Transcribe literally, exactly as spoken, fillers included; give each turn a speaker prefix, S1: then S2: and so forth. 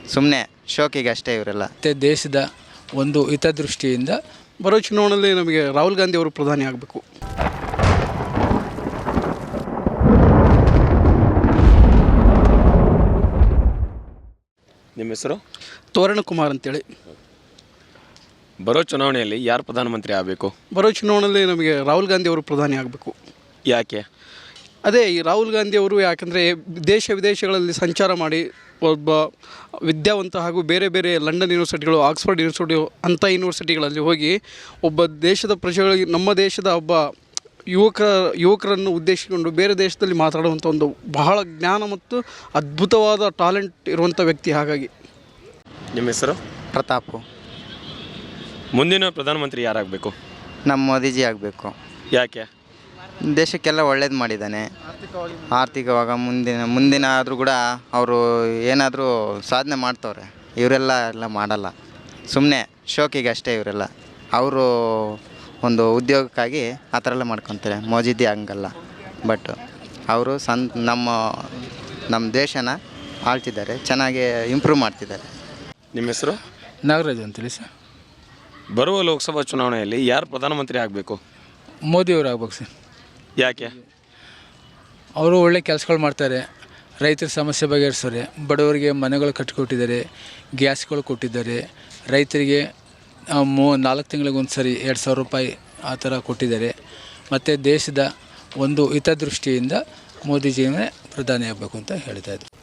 S1: ಸುಮ್ಮನೆ ಶೋಕಿಗೆ ಅಷ್ಟೇ ಇವರೆಲ್ಲ.
S2: ಮತ್ತು ದೇಶದ ಒಂದು ಹಿತದೃಷ್ಟಿಯಿಂದ
S3: ಬರೋ ಚುನಾವಣೆಯಲ್ಲಿ ನಮಗೆ ರಾಹುಲ್ ಗಾಂಧಿ ಅವರು ಪ್ರಧಾನಿ ಆಗಬೇಕು.
S4: ನಿಮ್ಮ ಹೆಸರು?
S3: ತೋರಣ ಕುಮಾರ್ ಅಂತೇಳಿ.
S4: ಬರೋ ಚುನಾವಣೆಯಲ್ಲಿ ಯಾರು ಪ್ರಧಾನಮಂತ್ರಿ ಆಗಬೇಕು?
S3: ಬರೋ ಚುನಾವಣೆಯಲ್ಲಿ ನಮಗೆ ರಾಹುಲ್ ಗಾಂಧಿ ಅವರು ಪ್ರಧಾನಿ ಆಗಬೇಕು.
S4: ಯಾಕೆ?
S3: ಅದೇ ಈ ರಾಹುಲ್ ಗಾಂಧಿ ಅವರು ಯಾಕಂದರೆ ದೇಶ ವಿದೇಶಗಳಲ್ಲಿ ಸಂಚಾರ ಮಾಡಿ ಒಬ್ಬ ವಿದ್ಯಾವಂತ ಹಾಗೂ ಬೇರೆ ಬೇರೆ ಲಂಡನ್ ಯೂನಿವರ್ಸಿಟಿಗಳು, ಆಕ್ಸ್ಫರ್ಡ್ ಯೂನಿವರ್ಸಿಟಿ ಅಂಥ ಯೂನಿವರ್ಸಿಟಿಗಳಲ್ಲಿ ಹೋಗಿ ಒಬ್ಬ ದೇಶದ ಪ್ರಜೆಗಳಿಗೆ, ನಮ್ಮ ದೇಶದ ಒಬ್ಬ ಯುವಕ ಯುವಕರನ್ನು ಉದ್ದೇಶಿಸಿಕೊಂಡು ಬೇರೆ ದೇಶದಲ್ಲಿ ಮಾತಾಡುವಂಥ ಒಂದು ಬಹಳ ಜ್ಞಾನ ಮತ್ತು ಅದ್ಭುತವಾದ ಟ್ಯಾಲೆಂಟ್ ಇರುವಂಥ ವ್ಯಕ್ತಿ. ಹಾಗಾಗಿ
S4: ನಿಮ್ಮ ಹೆಸರು?
S1: ಪ್ರತಾಪು.
S4: ಮುಂದಿನ ಪ್ರಧಾನಮಂತ್ರಿ ಯಾರಾಗಬೇಕು?
S1: ನಮ್ಮ ಮೋದಿಜಿ ಆಗಬೇಕು.
S4: ಯಾಕೆ?
S1: ದೇಶಕ್ಕೆಲ್ಲ ಒಳ್ಳೇದು ಮಾಡಿದ್ದಾನೆ. ಆರ್ಥಿಕವಾಗ ಮುಂದಿನ ಮುಂದಿನ ಆದರೂ ಕೂಡ ಅವರು ಏನಾದರೂ ಸಾಧನೆ ಮಾಡ್ತವ್ರೆ. ಇವರೆಲ್ಲ ಎಲ್ಲ ಮಾಡಲ್ಲ, ಸುಮ್ಮನೆ ಶೋಕಿಗೆ ಅಷ್ಟೇ ಇವರೆಲ್ಲ. ಅವರು ಒಂದು ಉದ್ಯೋಗಕ್ಕಾಗಿ ಆ ಥರ ಎಲ್ಲ ಮಾಡ್ಕೊತಾರೆ. ಮೋದಿಜಿ ಹಂಗಲ್ಲ. ಬಟ್ ಅವರು ಸಂ ನಮ್ಮ ನಮ್ಮ ದೇಶನ ಆಳ್ತಿದ್ದಾರೆ, ಚೆನ್ನಾಗಿ ಇಂಪ್ರೂವ್ ಮಾಡ್ತಿದ್ದಾರೆ.
S4: ನಿಮ್ಮ ಹೆಸರು?
S2: ನಾಗರಾಜ್ ಅಂತೇಳಿ ಸರ್.
S4: ಬರುವ ಲೋಕಸಭಾ ಚುನಾವಣೆಯಲ್ಲಿ ಯಾರು ಪ್ರಧಾನಮಂತ್ರಿ ಆಗಬೇಕು?
S2: ಮೋದಿಯವರು ಆಗ್ಬೇಕು ಸರ್.
S4: ಯಾಕೆ?
S2: ಅವರು ಒಳ್ಳೆ ಕೆಲಸಗಳು ಮಾಡ್ತಾರೆ, ರೈತರ ಸಮಸ್ಯೆ ಬಗೆಹರಿಸ್ತಾರೆ, ಬಡವರಿಗೆ ಮನೆಗಳು ಕಟ್ಟಿಕೊಟ್ಟಿದ್ದಾರೆ, ಗ್ಯಾಸ್ಗಳು ಕೊಟ್ಟಿದ್ದಾರೆ, ರೈತರಿಗೆ ಮೂ ನಾಲ್ಕು ತಿಂಗಳಿಗೆ ಒಂದು ಸರಿ ಎರಡು ಸಾವಿರ ರೂಪಾಯಿ ಆ ಥರ ಕೊಟ್ಟಿದ್ದಾರೆ. ಮತ್ತು ದೇಶದ ಒಂದು ಹಿತದೃಷ್ಟಿಯಿಂದ ಮೋದಿಜಿಯೇ ಪ್ರಧಾನಿ ಆಗಬೇಕು ಅಂತ ಹೇಳ್ತಾಯಿದ್ರು.